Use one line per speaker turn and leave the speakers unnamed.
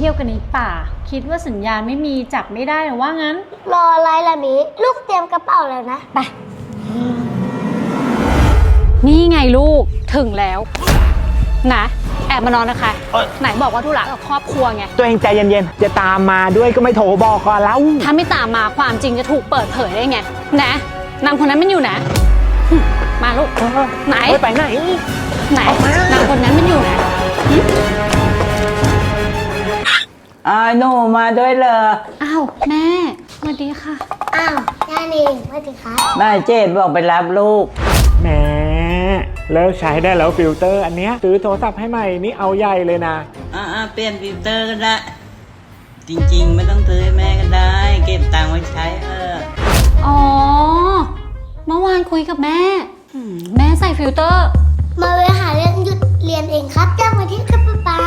ที่ยวกันในป่าคิดว่าสัญญาณไม่มีจับไม่ได้หรือว่างั้น
รออะไรล่ะมิลูกเตรียมกระเป๋าแล้วนะ
ไปนี่ไงลูกถึงแล้วนะแอบมานอนนะคะไหนบอกว่าธุระกับครอบครัวไง
ตัวเองใจเย็นๆจะตามมาด้วยก็ไม่โทรบอกก่อนแล้ว
ถ้าไม่ตามมาความจริงจะถูกเปิดเผยได้ไงนะนางคนนั้นมันอยู่นะมาลูกไหน
ไปไหน
นางคนนั้นมันอยู่นะ
หนูมาด้วยเหรอ
อ้าวแม่สวัสดีค่ะ
อ้าวย่าเองสวัสดีครับ
แม่เจดบอกไปรับลูก
แหมเลิกใช้ได้แล้วฟิลเตอร์อันเนี้ยซื้อโทรศัพท์ให้ใหม่นี่เอาใหญ่เลยนะ
เปลี่ยนฟิลเตอร์ก็ได้จริงๆไม่ต้องซื้อให้แม่ก็ได้เก็บตังค์ไว้ใช้
อ๋อเมื่อวานคุยกับแม่แม่ใส่ฟิลเตอร์
มาเวหาเรื่องหยุดเรียนเองครับจ้างมาที่ครับป๊า